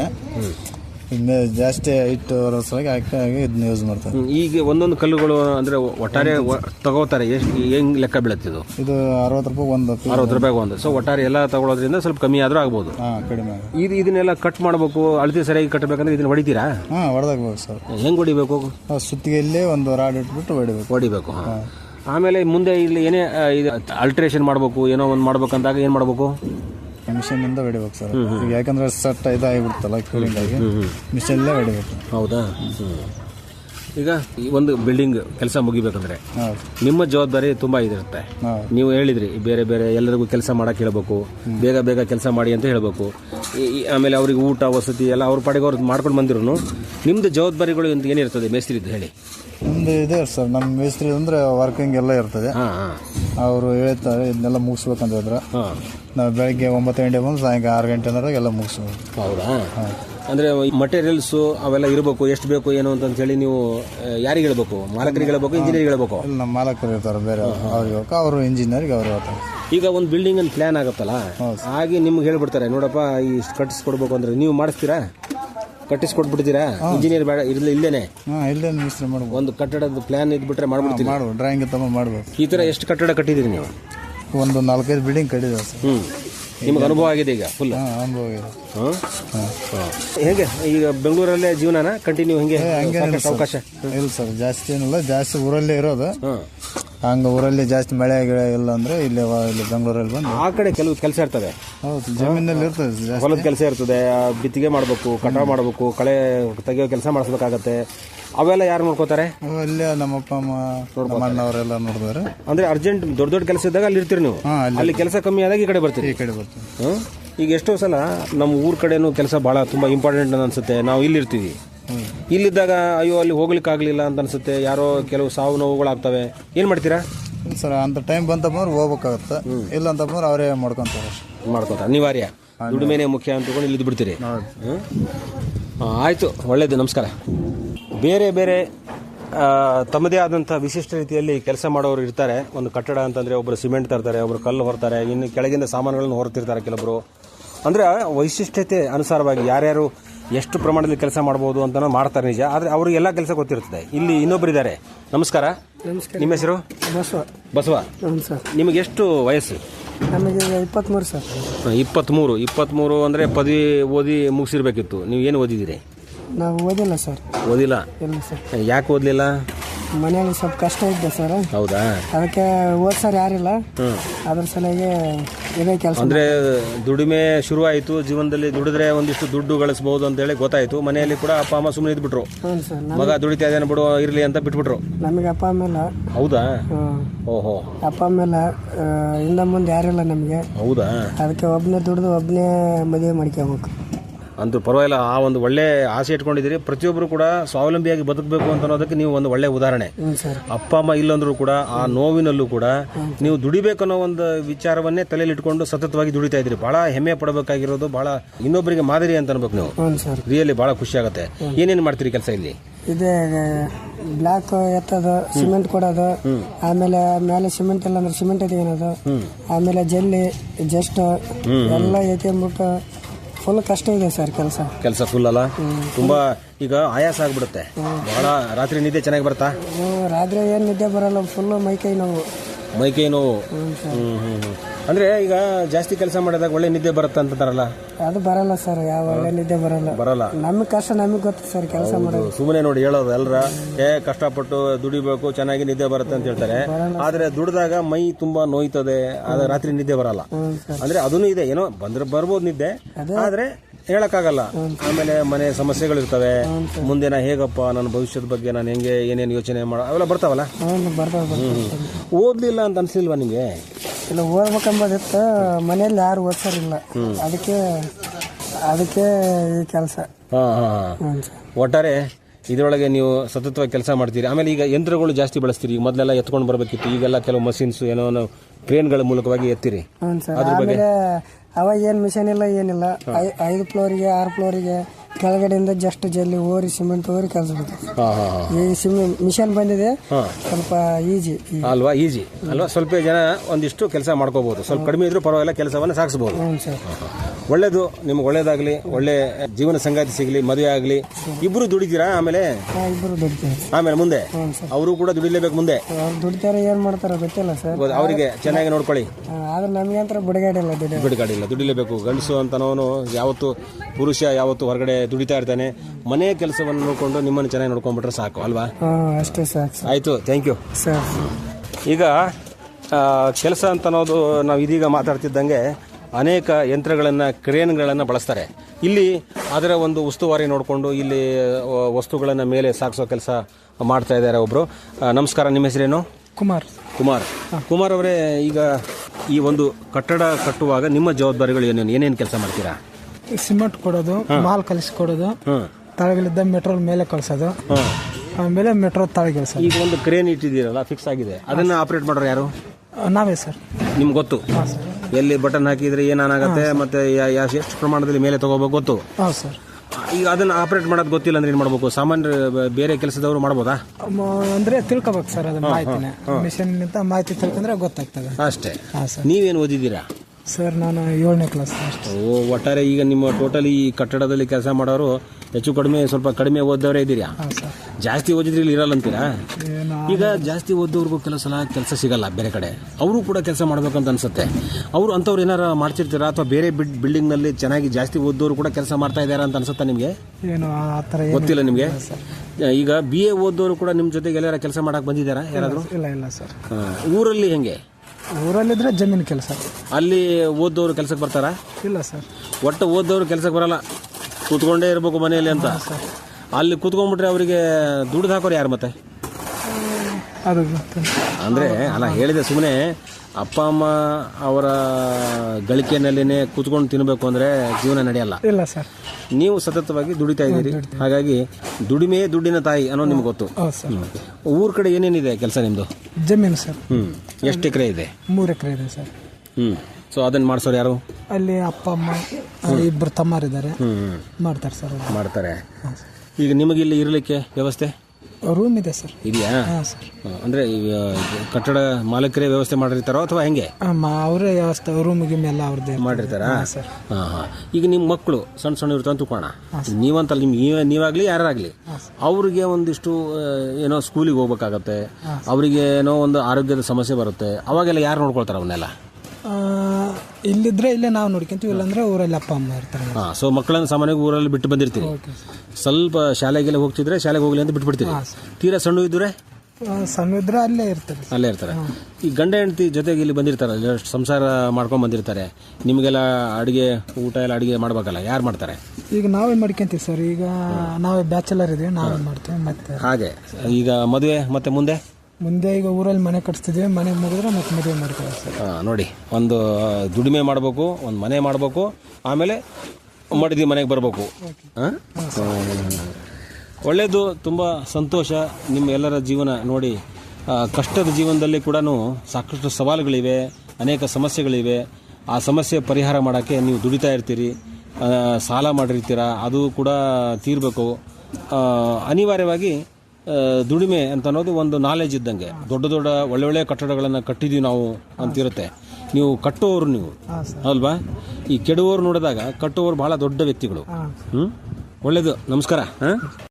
Speaker 4: ಜಾಸ್ತಿ ಇಟ್ಟು ಸಲುವಾಗಿ ಹಾಕಿ ಇದನ್ನ ಯೂಸ್ ಮಾಡ್ತಾರೆ.
Speaker 1: ಈಗ ಒಂದೊಂದು ಕಲ್ಲುಗಳು ಅಂದ್ರೆ ಒಟ್ಟಾರೆ ತಗೋತಾರೆ, ಎಷ್ಟು ಹೆಂಗ್ ಲೆಕ್ಕ ಬೀಳುತ್ತಿದ್ದು?
Speaker 4: ಇದು 60 ರೂಪಾಯಿ ಒಂದು.
Speaker 1: 60 ರೂಪಾಯಿ ಒಂದು. ಸೊ ಒಟ್ಟಾರೆ ಎಲ್ಲ ತಗೊಳ್ಳೋದ್ರಿಂದ ಸ್ವಲ್ಪ ಕಮ್ಮಿ ಆದ್ರೂ ಆಗ್ಬೋದು.
Speaker 4: ಕಡಿಮೆ.
Speaker 1: ಇದನ್ನೆಲ್ಲ ಕಟ್ ಮಾಡಬೇಕು, ಅಳತೆ ಸರಿಯಾಗಿ ಕಟ್ಟಬೇಕಂದ್ರೆ ಇದನ್ನ ಹೊಡಿತೀರಾ?
Speaker 4: ಹೊಡೆದಾಗ್ಬೇಕು ಸರ್.
Speaker 1: ಹೆಂಗ್ ಹೊಡಿಬೇಕು?
Speaker 4: ಸುತ್ತಿಗೆಯಲ್ಲಿ ಒಂದು ರಾಡ್ ಇಟ್ಬಿಟ್ಟು ಹೊಡಿಬೇಕು.
Speaker 1: ಆಮೇಲೆ ಮುಂದೆ ಇಲ್ಲಿ ಏನೇ ಅಲ್ಟ್ರೇಷನ್ ಮಾಡಬೇಕು, ಏನೋ ಒಂದು ಮಾಡ್ಬೇಕಂದಾಗ ಏನ್ ಮಾಡಬೇಕು?
Speaker 4: ಮಿಷನ್ ಇಂದ ಹೊಡಿಬೇಕು ಸರ್. ಈಗ ಯಾಕಂದ್ರೆ ಸಟ್ ಇದಾಗಿಬಿಡ್ತಲ್ಲ ಕೂಲಿಂಗ್ ಆಗಿ, ಮಿಷನ್ ಹೊಡಿಬೇಕು.
Speaker 1: ಹೌದಾ? ಈಗ ಈ ಒಂದು ಬಿಲ್ಡಿಂಗ್ ಕೆಲಸ ಮುಗಿಬೇಕಂದ್ರೆ ನಿಮ್ಮ ಜವಾಬ್ದಾರಿ ತುಂಬಾ ಇದಿರುತ್ತೆ. ನೀವು ಹೇಳಿದ್ರಿ ಬೇರೆ ಎಲ್ಲರಿಗೂ ಕೆಲಸ ಮಾಡಕ್ ಹೇಳ್ಬೇಕು, ಬೇಗ ಕೆಲಸ ಮಾಡಿ ಅಂತ ಹೇಳ್ಬೇಕು. ಆಮೇಲೆ ಅವ್ರಿಗೆ ಊಟ ವಸತಿ ಎಲ್ಲ ಅವ್ರ ಪಾಡಿಗೆ ಅವ್ರು ಮಾಡ್ಕೊಂಡು ಬಂದಿರು. ನಿಮ್ದು ಜವಾಬ್ದಾರಿಗಳು ಏನಿರ್ತದೆ ಮೇಸ್ತ್ರಿದ್ದು ಹೇಳಿ?
Speaker 4: ನಮ್ದು ಇದೆ ಸರ್, ನಮ್ಮ ಮೇಸ್ತ್ರಿ ಅಂದ್ರೆ ವರ್ಕಿಂಗ್ ಎಲ್ಲ ಇರ್ತದೆ. ಅವರು ಹೇಳ್ತಾರೆ ಇದನ್ನೆಲ್ಲ ಮುಗಿಸ್ಬೇಕಂತ ಹೇಳಿದ್ರೆ ನಾವು ಬೆಳಗ್ಗೆ 9 ಗಂಟೆ ಬಂದು ಸಾಯಂಕಾಲ 6 ಗಂಟೆ ಅಂದ್ರೆ ಎಲ್ಲ ಮುಗಿಸ್ಬೇಕು.
Speaker 1: ಹೌದಾ? ಅಂದ್ರೆ ಮಟೀರಿಯಲ್ಸು ಅವೆಲ್ಲ ಇರಬೇಕು, ಎಷ್ಟು ಬೇಕು ಏನು ಅಂತ ಹೇಳಿ ನೀವು ಯಾರಿಗೆ ಹೇಳ್ಬೇಕು? ಮಾಲಕರಿಗೆ ಹೇಳ್ಬೇಕು, ಇಂಜಿನಿಯರ್ಗೆ ಹೇಳ್ಬೇಕು?
Speaker 4: ನಮ್ಮ ಮಾಲಕರು ಇರ್ತಾರೆ ಬೇರೆ, ಅವ್ರಿಗೆ ಹೇಳ್ಬೇಕು, ಅವರು ಇಂಜಿನಿಯರ್ಗೆ ಅವ್ರು ಹೇಳ್ತಾರೆ.
Speaker 1: ಈಗ ಒಂದು ಬಿಲ್ಡಿಂಗ್ ಒಂದು ಪ್ಲಾನ್ ಆಗುತ್ತಲ್ಲ, ಹಾಗೆ ನಿಮ್ಗೆ ಹೇಳ್ಬಿಡ್ತಾರೆ ನೋಡಪ್ಪ ಈ ಕಟ್ಟಿಸ್ಕೊಡ್ಬೇಕು ಅಂದ್ರೆ ನೀವು ಮಾಡಿಸ್ತೀರಾ? ಕಟ್ಟಿಸ್ಕೊಟ್ಬಿಡ್ತೀರಾ? ಇಂಜಿನಿಯರ್ ಬೇಡ ಇಲ್ಲೇನೆ
Speaker 4: ಮಿಸ್ತ್ರಿ ಮಾಡ್ಬೋದು.
Speaker 1: ಒಂದು ಕಟ್ಟಡದ ಪ್ಲಾನ್ ಇದ್ಬಿಟ್ರೆ ಮಾಡ್ಬಿಡ್ತೀವಿ.
Speaker 4: ಡ್ರಾಯಿಂಗ್ ತಗೊಂಡು ಮಾಡ್ಬೋದು.
Speaker 1: ಈ ತರ ಎಷ್ಟು ಕಟ್ಟಡ ಕಟ್ಟಿದ್ದೀರಿ ನೀವು?
Speaker 4: ಒಂದು 4-5 ಬಿಲ್ಡಿಂಗ್ ಕಟ್ಟಿದ್ದೇವೆ ಸರ್.
Speaker 1: ನಿಮ್ಗೆ ಅನುಭವ ಆಗಿದೆ ಈಗ ಫುಲ್?
Speaker 4: ಅನುಭವ ಆಗಿದೆ.
Speaker 1: ಹೇಗೆ ಈಗ ಬೆಂಗಳೂರಲ್ಲೇ ಜೀವನನ ಕಂಟಿನ್ಯೂ ಹಂಗೆ ಅವಕಾಶ?
Speaker 4: ಇಲ್ಲ ಸರ್, ಜಾಸ್ತಿ ಏನಿಲ್ಲ, ಜಾಸ್ತಿ ಊರಲ್ಲೇ ಇರೋದು. ಹಂಗೆ ಊರಲ್ಲಿ ಜಾಸ್ತಿ ಮಳೆ ಗಿಳೆ ಇಲ್ಲ ಅಂದ್ರೆ ಇಲ್ಲಿ ಬೆಂಗಳೂರಲ್ಲಿ ಬಂದು
Speaker 1: ಆ ಕಡೆ ಕೆಲವು ಕೆಲಸ ಇರ್ತವೆ,
Speaker 4: ಹೌದು ಜಮೀನಲ್ಲಿ ಇರ್ತದೆ ಜಾಸ್ತಿ.
Speaker 1: ಹೊಲದ ಕೆಲಸ ಇರ್ತದೆ, ಬಿತ್ತಿಗೆ ಮಾಡಬೇಕು, ಕಟಾವು ಮಾಡಬೇಕು, ಕಳೆ ತೆಗೆಯೋ ಕೆಲಸ ಮಾಡಿಸ್ಬೇಕಾಗತ್ತೆ. ಅವೆಲ್ಲ ಯಾರು ನೋಡ್ಕೋತಾರೆ?
Speaker 4: ಇಲ್ಲೇ ನಮ್ಮಪ್ಪ ಅಮ್ಮ ನಮ್ಮ ಅಣ್ಣವರೆಲ್ಲ ನೋಡಿದಾರೆ.
Speaker 1: ಅಂದ್ರೆ ಅರ್ಜೆಂಟ್ ದೊಡ್ಡ ದೊಡ್ಡ ಕೆಲಸ ಇದ್ದಾಗ ಅಲ್ಲಿ ಇರ್ತೀರಿ ನೀವು, ಅಲ್ಲಿ ಕೆಲಸ ಕಮ್ಮಿ ಆದಾಗ ಈ ಕಡೆ ಬರ್ತೀರಿ.
Speaker 4: ಈ ಕಡೆ ಬರ್ತೀವಿ.
Speaker 1: ಈಗ ಎಷ್ಟೋ ಸಲ ನಮ್ಮ ಊರ ಕಡೆನೂ ಕೆಲಸ ಭಾಳ ತುಂಬ ಇಂಪಾರ್ಟೆಂಟ್ ಅನ್ಸುತ್ತೆ. ನಾವು ಇಲ್ಲಿರ್ತೀವಿ, ಇಲ್ಲಿದ್ದಾಗ ಅಯ್ಯೋ ಅಲ್ಲಿ ಹೋಗ್ಲಿಕ್ಕೆ ಆಗಲಿಲ್ಲ ಅಂತ ಅನ್ಸುತ್ತೆ. ಯಾರೋ ಕೆಲವು ಸಾವು ನೋವುಗಳಾಗ್ತವೆ. ಏನು ಮಾಡ್ತೀರಾ
Speaker 4: ಸರ್? ಅಂತ ಟೈಮ್ ಬಂತಪ್ಪ ಹೋಗ್ಬೇಕಾಗತ್ತೆ, ಇಲ್ಲ ಅಂತಪ್ಪ ಅವರೇ ಮಾಡ್ಕೊಂತಾರೆ.
Speaker 1: ಅನಿವಾರ್ಯ, ದುಡಿಮೆನೇ ಮುಖ್ಯ ಅಂತ ತಗೊಂಡು ಇಲ್ಲಿ ಬಿಡ್ತೀರಿ. ಆಯಿತು, ಒಳ್ಳೇದು, ನಮಸ್ಕಾರ. ಬೇರೆ ಬೇರೆ ತಮ್ಮದೇ ಆದಂಥ ವಿಶಿಷ್ಟ ರೀತಿಯಲ್ಲಿ ಕೆಲಸ ಮಾಡೋರು ಇರ್ತಾರೆ. ಒಂದು ಕಟ್ಟಡ ಅಂತಂದರೆ ಒಬ್ಬರು ಸಿಮೆಂಟ್ ತರ್ತಾರೆ, ಒಬ್ಬರು ಕಲ್ಲು ಹೊರ್ತಾರೆ, ಇನ್ನು ಕೆಳಗಿಂದ ಸಾಮಾನುಗಳನ್ನು ಹೊರ್ತಿರ್ತಾರೆ ಕೆಲವರು. ಅಂದರೆ ವೈಶಿಷ್ಟ್ಯತೆ ಅನುಸಾರವಾಗಿ ಯಾರ್ಯಾರು ಎಷ್ಟು ಪ್ರಮಾಣದಲ್ಲಿ ಕೆಲಸ ಮಾಡ್ಬೋದು ಅಂತ ಮಾಡ್ತಾರೆ ನಿಜ. ಆದರೆ ಅವ್ರಿಗೆಲ್ಲ ಕೆಲಸ ಗೊತ್ತಿರ್ತದೆ. ಇಲ್ಲಿ ಇನ್ನೊಬ್ಬರಿದ್ದಾರೆ. ನಮಸ್ಕಾರ. ನಿಮ್ಮ ಹೆಸರು? ಬಸವ. ನಿಮಗೆ ಎಷ್ಟು ವಯಸ್ಸು?
Speaker 5: ನಮಗೆ 23 ಸರ್.
Speaker 1: 23 ಅಂದರೆ ಪದವಿ ಓದಿ ಮುಗಿಸಿರ್ಬೇಕಿತ್ತು. ನೀವು ಏನು ಓದಿದ್ದೀರಿ?
Speaker 5: ನಾವು ಓದಿಲ್ಲ ಸರ್.
Speaker 1: ಓದಿಲ್ಲ?
Speaker 5: ಇಲ್ಲ ಸರ್.
Speaker 1: ಯಾಕೆ ಓದಲಿಲ್ಲ?
Speaker 5: ಮನೆಯಲ್ಲಿ ಸ್ವಲ್ಪ ಕಷ್ಟ ಇದ್ದೆ ಸರ್.
Speaker 1: ಹೌದಾ?
Speaker 5: ಅದಕ್ಕೆ ಓದ್ಸರ್ ಯಾರಿಲ್ಲ, ಅದ್ರ ಸಲುವಾಗಿ ಇದೇ ಕೆಲಸ.
Speaker 1: ಅಂದ್ರೆ ದುಡಿಮೆ ಶುರು ಆಯಿತು, ಜೀವನದಲ್ಲಿ ದುಡಿದ್ರೆ ಒಂದಿಷ್ಟು ದುಡ್ಡು ಗಳಿಸಬಹುದು ಅಂತ ಹೇಳಿ ಗೊತ್ತಾಯ್ತು. ಮನೆಯಲ್ಲಿ ಕೂಡ ಅಪ್ಪ ಅಮ್ಮ ಸುಮ್ಮನೆ ಇದ್ಬಿಟ್ರು, ಮಗ ದುಡಿತಾ ಇದ್ದಾನೆ ಬಿಡು ಇರ್ಲಿ ಅಂತ ಬಿಟ್ಬಿಟ್ರು.
Speaker 5: ನಮಗೆ ಅಪ್ಪ ಅಮ್ಮ ಇಲ್ಲ.
Speaker 1: ಹೌದಾ? ಓಹೋ.
Speaker 5: ಅಪ್ಪ ಅಮ್ಮ ಇಲ್ಲ, ಇಂದ ಮುಂದೆ ಯಾರಿಲ್ಲ ನಮಗೆ.
Speaker 1: ಹೌದಾ? ಅದಕ್ಕೆ
Speaker 5: ಒಬ್ಬನೇ ದುಡಿದು ಒಬ್ಬನೇ ಮದುವೆ ಮಾಡ್ಕೋಬೇಕು.
Speaker 1: ಅಂತೂ ಪರವಾಗಿಲ್ಲ. ಆ ಒಂದು ಒಳ್ಳೆ ಆಸೆ ಇಟ್ಕೊಂಡಿದ್ದೀರಿ. ಪ್ರತಿಯೊಬ್ಬರು ಕೂಡ ಸ್ವಾವಲಂಬಿಯಾಗಿ ಬದುಕಬೇಕು ಅಂತ ಅನ್ನೋದಕ್ಕೆ ನೀವು ಒಂದು ಒಳ್ಳೆ ಉದಾಹರಣೆ. ಅಪ್ಪ ಅಮ್ಮ ಇಲ್ಲಂದ್ರೂ ಕೂಡ ಆ ನೋವಿನಲ್ಲೂ ಕೂಡ ನೀವು ದುಡಿಬೇಕನ್ನೋ ಒಂದು ವಿಚಾರವನ್ನೇ ತಲೆಯಲ್ಲಿ ಇಟ್ಕೊಂಡು ಸತತವಾಗಿ ದುಡಿತಾ ಇದ್ರಿ. ಬಹಳ ಹೆಮ್ಮೆ ಪಡಬೇಕಾಗಿರೋದು, ಬಹಳ ಇನ್ನೊಬ್ಬರಿಗೆ ಮಾದರಿ ಅಂತ ಅನ್ಬೇಕು ನೀವು. ರಿಯಲಿ ಬಹಳ ಖುಷಿ ಆಗುತ್ತೆ. ಏನೇನು ಮಾಡ್ತೀರಿ ಕೆಲಸ ಇಲ್ಲಿ?
Speaker 5: ಇದೇ ಬ್ಲಾಕ್ ಎತ್ತೋದು, ಸಿಮೆಂಟ್ ಕೊಡೋದು, ಆಮೇಲೆ ಮೇಲೆ ಸಿಮೆಂಟ್ ಇಲ್ಲ ಅಂದ್ರೆ ಸಿಮೆಂಟ್ ಎತ್ಕೊಳೋದು, ಆಮೇಲೆ ಜಲ್ಲಿ ಜಸ್ಟ್ ಎಲ್ಲ ಎತ್ಕೊಂಡ್ಬಿಟ್ಟು ಫುಲ್ ಕಷ್ಟ ಇದೆ ಸರ್ ಕೆಲಸ
Speaker 1: ಫುಲ್ ಅಲ್ಲ? ತುಂಬಾ ಈಗ ಆಯಾಸ ಆಗ್ಬಿಡುತ್ತೆ. ಬಹಳ ರಾತ್ರಿ ನಿದ್ದೆ ಚೆನ್ನಾಗಿ ಬರುತ್ತಾ?
Speaker 5: ರಾತ್ರಿ ಏನು ನಿದ್ದೆ ಬರಲ್ಲ, ಫುಲ್ ಮೈಕೈ ನೋವು.
Speaker 1: ಅಂದ್ರೆ ಈಗ ಜಾಸ್ತಿ ಕೆಲಸ ಮಾಡಿದಾಗ ಒಳ್ಳೆ ನಿದ್ದೆ ಬರುತ್ತೆ ಅಂತಾರಲ್ಲ,
Speaker 5: ಅದು ಬರಲ್ಲ ಸರ್. ಯಾವ ಒಳ್ಳೆ ನಿದ್ದೆ ಬರಲ್ಲ. ನಮಗೆ ಕಷ್ಟ ನಮಗೆ ಗೊತ್ತು ಸರ್ ಕೆಲಸ ಮಾಡೋದು.
Speaker 1: ಸುಮ್ಮನೆ ನೋಡಿ ಹೇಳೋದು ಎಲ್ಲರ ಕಷ್ಟಪಟ್ಟು ದುಡಿಬೇಕು, ಚೆನ್ನಾಗಿ ನಿದ್ದೆ ಬರುತ್ತೆ ಅಂತ ಹೇಳ್ತಾರೆ. ಆದ್ರೆ ದುಡಿದಾಗ ಮೈ ತುಂಬಾ ನೋಯ್ತದೆ, ಆದ್ರೆ ರಾತ್ರಿ ನಿದ್ದೆ ಬರಲ್ಲ. ಅಂದ್ರೆ ಅದನ್ನು ಇದೆ, ಏನೋ ಬಂದ್ರೆ ಬರ್ಬೋದು ನಿದ್ದೆ, ಆದ್ರೆ ಹೇಳಕ್ಕಾಗಲ್ಲ. ಆಮೇಲೆ ಮನೆ ಸಮಸ್ಯೆಗಳಿರ್ತವೆ. ಮುಂದೆ ನಾ ಹೇಗಪ್ಪ ನನ್ನ ಭವಿಷ್ಯದ ಬಗ್ಗೆ ನಾನು ಹೆಂಗೆ ಏನೇನು ಯೋಚನೆ ಮಾಡೋ ಅವೆಲ್ಲ ಬರ್ತಾವಲ್ಲ. ಓದ್ಲಿಲ್ಲ ಅಂತ ಅನ್ಸಲಿಲ್ವಾ ನಿಮ್ಗೆ?
Speaker 5: ಇಲ್ಲ, ಓದ್ಬೇಕಂಬದಿತ್ತು. ಮನೆಯಲ್ಲಿ ಯಾರು ಓದ್ಸರಿಲ್ಲ, ಅದಕ್ಕೆ ಈ ಕೆಲಸ.
Speaker 1: ಒಟ್ಟಾರೆ ಇದರೊಳಗೆ ನೀವು ಸತತವಾಗಿ ಕೆಲಸ ಮಾಡ್ತೀರಿ. ಆಮೇಲೆ ಈಗ ಯಂತ್ರಗಳು ಜಾಸ್ತಿ ಬಳಸ್ತೀರಿ. ಈಗ ಮೊದಲೆಲ್ಲ ಎತ್ಕೊಂಡು ಬರಬೇಕಿತ್ತು, ಈಗೆಲ್ಲ ಕೆಲವು ಮಷಿನ್ಸ್ ಏನೋ ಟ್ರೈನ್ಗಳ ಮೂಲಕವಾಗಿ ಎತ್ತೀರಿ. ಅದ್ರ ಬಗ್ಗೆ
Speaker 5: ಅವಾಗ ಏನು ಮಿಷನ್ ಇಲ್ಲ, ಏನಿಲ್ಲ. 5 ಫ್ಲೋರಿಗೆ 6 ಫ್ಲೋರಿಗೆ ಕೆಳಗಡೆಯಿಂದ ಜಸ್ಟ್ ಜಲ್ಲಿ ಓರಿ ಸಿಮೆಂಟ್ ಓರಿ ಕೆಲಸ ಈ ಮಿಷನ್ ಬಂದಿದೆ, ಸ್ವಲ್ಪ ಈಜಿ
Speaker 1: ಅಲ್ವಾ? ಈಜಿ ಅಲ್ವಾ? ಸ್ವಲ್ಪ ಜನ ಒಂದಿಷ್ಟು ಕೆಲಸ ಮಾಡ್ಕೋಬಹುದು, ಸ್ವಲ್ಪ ಕಡಿಮೆ ಇದ್ರೂ ಪರವಾಗಿಲ್ಲ, ಕೆಲಸವನ್ನು ಸಾಗಿಸಬಹುದು. ಒಳ್ಳೇದು, ನಿಮ್ಗೆ ಒಳ್ಳೇದಾಗ್ಲಿ, ಒಳ್ಳೆ ಜೀವನ ಸಂಗಾತಿ ಸಿಗಲಿ, ಮದುವೆ ಆಗಲಿ. ಇಬ್ರು ದುಡಿತೀರಾ? ಆಮೇಲೆ ಆಮೇಲೆ ಮುಂದೆ ಅವರು ಕೂಡ ದುಡಿಲೇಬೇಕು. ಮುಂದೆ
Speaker 5: ದುಡಿತಾರೆ, ಏನ್ ಮಾಡ್ತಾರ ಗೊತ್ತಿಲ್ಲ ಸರ್.
Speaker 1: ಅವರಿಗೆ ಚೆನ್ನಾಗಿ ನೋಡ್ಕೊಳ್ಳಿ.
Speaker 5: ಆದ್ರೆ ನಮಗೆ ಅಂತ ಬಿಡುಗಡೆ ಇಲ್ಲ,
Speaker 1: ದುಡಿಲೇಬೇಕು. ಗಂಡಸು ಅಂತನವನು ಯಾವತ್ತು, ಪುರುಷ ಯಾವತ್ತು ಹೊರಗಡೆ ದುಡಿತಾ ಇರ್ತಾನೆ. ಮನೆ ಕೆಲಸವನ್ನು ನೋಡಿಕೊಂಡು ನಿಮ್ಮನ್ನು ಚೆನ್ನಾಗಿ ನೋಡ್ಕೊಂಡ್ಬಿಟ್ರೆ ಸಾಕು ಅಲ್ವಾ?
Speaker 5: ಅಷ್ಟೇ ಸಾಕು.
Speaker 1: ಆಯ್ತು, ಥ್ಯಾಂಕ್ ಯು
Speaker 5: ಸರ್.
Speaker 1: ಈಗ ಕೆಲಸ ಅಂತ ಅನ್ನೋದು ನಾವು ಇದೀಗ ಮಾತಾಡ್ತಿದ್ದಂಗೆ ಅನೇಕ ಯಂತ್ರಗಳನ್ನು, ಕ್ರೇನ್ಗಳನ್ನು ಬಳಸ್ತಾರೆ. ಇಲ್ಲಿ ಅದರ ಒಂದು ಉಸ್ತುವಾರಿ ನೋಡಿಕೊಂಡು ಇಲ್ಲಿ ವಸ್ತುಗಳನ್ನು ಮೇಲೆ ಸಾಗಿಸೋ ಕೆಲಸ ಮಾಡ್ತಾ ಇದ್ದಾರೆ ಒಬ್ಬರು. ನಮಸ್ಕಾರ, ನಿಮ್ಮ ಹೆಸರೇನು? ಕುಮಾರ್ ಅವರೇ, ಈಗ ಈ ಒಂದು ಕಟ್ಟಡ ಕಟ್ಟುವಾಗ ನಿಮ್ಮ ಜವಾಬ್ದಾರಿಗಳು ಏನೇನು ಕೆಲಸ ಮಾಡ್ತೀರಾ?
Speaker 5: ಸಿಮೆಂಟ್ ಕೊಡೋದು, ಮಾಲ್ ಕಲಿಸ್ಕೊಡೋದು, ತಳಗಿಲಿದ್ದ ಮೆಟ್ರೋಲ್ ಮೇಲೆ ಕಳ್ಸೋದು, ಆಮೇಲೆ ಮೆಟ್ರೋ ತಳಗಿಳಿಸೋದು.
Speaker 1: ಈಗ ಒಂದು ಕ್ರೇನ್ ಇಟ್ಟಿದ್ದೀರಲ್ಲ, ಫಿಕ್ಸ್ ಆಗಿದೆ, ಅದನ್ನ ಆಪರೇಟ್ ಮಾಡೋರು ಯಾರು?
Speaker 5: ನಾವೇ ಸರ್.
Speaker 1: ನಿಮ್ಗೆ ಗೊತ್ತು ಎಲ್ಲಿ ಬಟನ್ ಹಾಕಿದ್ರೆ ಏನಾಗುತ್ತೆ, ಮತ್ತೆ ಎಷ್ಟು ಪ್ರಮಾಣದಲ್ಲಿ ಮೇಲೆ ತಗೋಬೇಕು ಗೊತ್ತು.
Speaker 5: ಹೌದು ಸರ್.
Speaker 1: ಈಗ ಅದನ್ನ ಆಪರೇಟ್ ಮಾಡೋದು ಗೊತ್ತಿಲ್ಲ ಅಂದ್ರೆ ಏನ್ ಮಾಡ್ಬೇಕು? ಸಾಮಾನ್ಯ ಬೇರೆ ಕೆಲಸದವರು ಮಾಡ್ಬೋದಾ?
Speaker 5: ಅಂದ್ರೆ ತಿಳ್ಕೊಬೇಕು ಸರ್, ಅದನ್ನ ಮಾಹಿತಿನ ಮಿಷನ್ ಮಾಹಿತಿ ತಿಳ್ಕೊಂಡ್ರೆ ಗೊತ್ತಾಗ್ತದೆ
Speaker 1: ಅಷ್ಟೇ. ನೀವೇನು ಓದಿದ್ದೀರಾ?
Speaker 5: ಸರ್ ನಾನು 7ನೇ ಕ್ಲಾಸ್ ಅಷ್ಟೇ.
Speaker 1: ಒಟ್ಟಾರೆ ಈಗ ನಿಮ್ಮ ಟೋಟಲ್ ಈ ಕಟ್ಟಡದಲ್ಲಿ ಕೆಲಸ ಮಾಡೋರು ಹೆಚ್ಚು ಕಡಿಮೆ ಸ್ವಲ್ಪ ಕಡಿಮೆ ಓದೋರೇ ಇದ್ದೀರಾ? ಜಾಸ್ತಿ ಓದಿದ್ರೆ ಇಲ್ಲಿ ಇರಲ್ಲ ಅಂತೀರಾ? ಈಗ ಜಾಸ್ತಿ ಓದೋರ್ಗೂ ಕೆಲವು ಸಲ ಕೆಲಸ ಸಿಗಲ್ಲ ಬೇರೆ ಕಡೆ, ಅವರು ಕೂಡ ಕೆಲಸ ಮಾಡ್ಬೇಕಂತ ಅನ್ಸುತ್ತೆ. ಅವರು ಅಂಥವ್ರು ಏನಾರ ಮಾಡ್ತಿರ್ತೀರಾ ಅಥವಾ ಬೇರೆ ಬಿಲ್ಡಿಂಗ್ನಲ್ಲಿ ಚೆನ್ನಾಗಿ ಜಾಸ್ತಿ ಓದೋರು ಕೂಡ ಕೆಲಸ ಮಾಡ್ತಾ ಇದ್ದಾರೆ ಅಂತ ಅನ್ಸುತ್ತಾ ನಿಮಗೆ?
Speaker 5: ಏನು ಆ ಥರ
Speaker 1: ಗೊತ್ತಿಲ್ಲ ನಿಮಗೆ? ಈಗ BA ಓದೋರು ಕೂಡ ನಿಮ್ಮ ಜೊತೆಗೆ ಎಲ್ಲಾರ ಕೆಲಸ ಮಾಡಕ್ಕೆ ಬಂದಿದ್ದಾರಾ ಯಾರಾದರೂ?
Speaker 5: ಇಲ್ಲ ಸರ್.
Speaker 1: ಊರಲ್ಲಿ ಹೆಂಗೆ?
Speaker 5: ಊರಲ್ಲಿದ್ರೆ ಜಮೀನು ಕೆಲಸ.
Speaker 1: ಅಲ್ಲಿ ಓದೋರು ಕೆಲಸಕ್ಕೆ ಬರ್ತಾರಾ?
Speaker 5: ಇಲ್ಲ ಸರ್.
Speaker 1: ಒಟ್ಟು ಓದೋರು ಕೆಲಸಕ್ಕೆ ಬರಲ್ಲ, ಕೂತ್ಕೊಂಡೇ ಇರಬೇಕು ಮನೆಯಲ್ಲಿ ಅಂತ. ಅಲ್ಲಿ ಕೂತ್ಕೊಂಡ್ಬಿಟ್ರೆ ಅವರಿಗೆ ದುಡ್ಡು ಹಾಕೋರು ಯಾರು ಮತ್ತೆ?
Speaker 5: ಅದು
Speaker 1: ಅಂದರೆ ಅಲ್ಲ ಹೇಳಿದೆ, ಸುಮ್ಮನೆ ಅಪ್ಪ ಅಮ್ಮ ಅವರ ಗಳಿಕೆನಲ್ಲಿನೇ ಕೂತ್ಕೊಂಡು ತಿನ್ನಬೇಕು ಅಂದರೆ ಜೀವನ ನಡೆಯಲ್ಲ.
Speaker 5: ಇಲ್ಲ ಸರ್.
Speaker 1: ನೀವು ಸತತವಾಗಿ ದುಡಿತಾ ಇದ್ದೀರಿ, ಹಾಗಾಗಿ ದುಡಿಮೆ ದುಡ್ಡಿನ ತಾಯಿ ಅನ್ನೋ ನಿಮ್ಗೆ ಗೊತ್ತು. ಊರ ಕಡೆ ಏನೇನಿದೆ ಕೆಲಸ ನಿಮ್ಮದು?
Speaker 5: ಜಮೀನು ಸರ್.
Speaker 1: ಎಷ್ಟು ಎಕರೆ ಇದೆ?
Speaker 5: 3 ಎಕರೆ ಇದೆ ಸರ್.
Speaker 1: ಸೊ ಅದನ್ನು ಮಾಡಿಸೋರು ಯಾರು?
Speaker 5: ಅಲ್ಲಿ ಅಪ್ಪ ಅಮ್ಮ 2 ತಮ್ಮರಿದ್ದಾರೆ, ಮಾಡ್ತಾರೆ ಸರ್.
Speaker 1: ಮಾಡ್ತಾರೆ. ಈಗ ನಿಮಗೆ ಇಲ್ಲಿ ಇರಲಿಕ್ಕೆ ವ್ಯವಸ್ಥೆ?
Speaker 5: ರೂಮ್ ಇದೆ ಸರ್.
Speaker 1: ಇದೆಯಾ?
Speaker 5: ಸರ್.
Speaker 1: ಅಂದರೆ ಕಟ್ಟಡ ಮಾಲೀಕರೇ ವ್ಯವಸ್ಥೆ ಮಾಡಿರ್ತಾರೋ ಅಥವಾ ಹೆಂಗೆ?
Speaker 5: ಅವರೇ ವ್ಯವಸ್ಥೆ, ರೂಮ್ ಗಿಮ್ ಎಲ್ಲ ಅವ್ರದ್ದೇ
Speaker 1: ಮಾಡಿರ್ತಾರಾ? ಹಾಂ. ಈಗ ನಿಮ್ಮ ಮಕ್ಕಳು ಸಣ್ಣ ಸಣ್ಣ ಇರ್ತಾವೆ ತಿಳ್ಕೋಣ, ನೀವಂತಲ್ಲ, ನೀವಾಗಲಿ ಯಾರಾಗಲಿ, ಅವ್ರಿಗೆ ಒಂದಿಷ್ಟು ಏನೋ ಸ್ಕೂಲಿಗೆ ಹೋಗ್ಬೇಕಾಗತ್ತೆ, ಅವರಿಗೆ ಏನೋ ಒಂದು ಆರೋಗ್ಯದ ಸಮಸ್ಯೆ ಬರುತ್ತೆ, ಅವಾಗೆಲ್ಲ ಯಾರು ನೋಡ್ಕೊಳ್ತಾರೆ ಅವನ್ನೆಲ್ಲ?
Speaker 5: ಇಲ್ಲಿದ್ರೆ ಇಲ್ಲೇ ನಾವು ನೋಡ್ಕೊಂತೀವಿ, ಇಲ್ಲಾಂದ್ರೆ ಊರಲ್ಲಿ ಅಪ್ಪ ಅಮ್ಮ ಇರ್ತಾರೆ.
Speaker 1: ಸೊ ಮಕ್ಕಳನ್ನ ಸಾಮಾನ್ಯವಾಗಿ ಊರಲ್ಲಿ ಬಿಟ್ಟು ಬಂದಿರ್ತೀವಿ. ಸ್ವಲ್ಪ ಶಾಲೆಗೆಲ್ಲ ಹೋಗ್ತಿದ್ರೆ ಶಾಲೆಗೆ ಹೋಗ್ಲಿ ಅಂತ ಬಿಟ್ಬಿಡ್ತೀವಿ. ತೀರಾ ಸಣ್ಣ ಇದ್ರೆ
Speaker 5: ಅಲ್ಲೇ ಇರ್ತಾರೆ.
Speaker 1: ಈ ಗಂಡ ಹೆಂಡತಿ ಜೊತೆಗೆ ಇಲ್ಲಿ ಬಂದಿರ್ತಾರೆ, ಸಂಸಾರ ಮಾಡ್ಕೊಂಡು ಬಂದಿರ್ತಾರೆ, ನಿಮಗೆಲ್ಲ ಅಡುಗೆ ಊಟ ಎಲ್ಲ ಅಡುಗೆ ಮಾಡ್ಬೇಕಲ್ಲ, ಯಾರು ಮಾಡ್ತಾರೆ?
Speaker 5: ಈಗ ನಾವೇ ಮಾಡ್ಕೊಂತೀವಿ ಸರ್. ಈಗ ನಾವೇ ಬ್ಯಾಚುಲರ್ ಇದೀವಿ, ನಾವೇ ಮಾಡ್ತೀವಿ. ಮತ್ತೆ ಹಾಗೆ
Speaker 1: ಈಗ ಮದುವೆ ಮತ್ತೆ ಮುಂದೆ
Speaker 5: ಈಗ ಊರಲ್ಲಿ ಮನೆ ಕಟ್ಸ್ತಿದ್ದೀವಿ, ಮನೆ ಮುಗಿದ್ರೆ ಮತ್ತೆ ಮದುವೆ ಮಾಡ್ತೀವಿ ಸರ್.
Speaker 1: ನೋಡಿ, ಒಂದು ದುಡಿಮೆ ಮಾಡಬೇಕು, ಒಂದು ಮನೆ ಮಾಡಬೇಕು, ಆಮೇಲೆ ಮಡದಿ ಮನೆಗೆ ಬರಬೇಕು. ಒಳ್ಳೆಯದು, ತುಂಬ ಸಂತೋಷ. ನಿಮ್ಮ ಎಲ್ಲರ ಜೀವನ ನೋಡಿ, ಕಷ್ಟದ ಜೀವನದಲ್ಲಿ ಕೂಡ ಸಾಕಷ್ಟು ಸವಾಲುಗಳಿವೆ, ಅನೇಕ ಸಮಸ್ಯೆಗಳಿವೆ. ಆ ಸಮಸ್ಯೆ ಪರಿಹಾರ ಮಾಡೋಕ್ಕೆ ನೀವು ದುಡಿತಾ ಇರ್ತೀರಿ, ಸಾಲ ಮಾಡಿರ್ತೀರ, ಅದು ಕೂಡ ತೀರಬೇಕು. ಅನಿವಾರ್ಯವಾಗಿ ದುಡಿಮೆ ಅಂತ ಅನ್ನೋದು ಒಂದು ನಾಲೆಜ್ ಇದ್ದಂಗೆ. ದೊಡ್ಡ ದೊಡ್ಡ ಒಳ್ಳೊಳ್ಳೆ ಕಟ್ಟಡಗಳನ್ನು ಕಟ್ಟಿದ್ದೀವಿ ನಾವು ಅಂತಿರುತ್ತೆ. ನೀವು ಕಟ್ಟುವವರು ನೀವು ಅಲ್ವಾ? ಈ ಕೆಡುವವರು ನೋಡಿದಾಗ ಕಟ್ಟುವವರು ಬಹಳ ದೊಡ್ಡ ವ್ಯಕ್ತಿಗಳು. ಒಳ್ಳೆಯದು, ನಮಸ್ಕಾರ.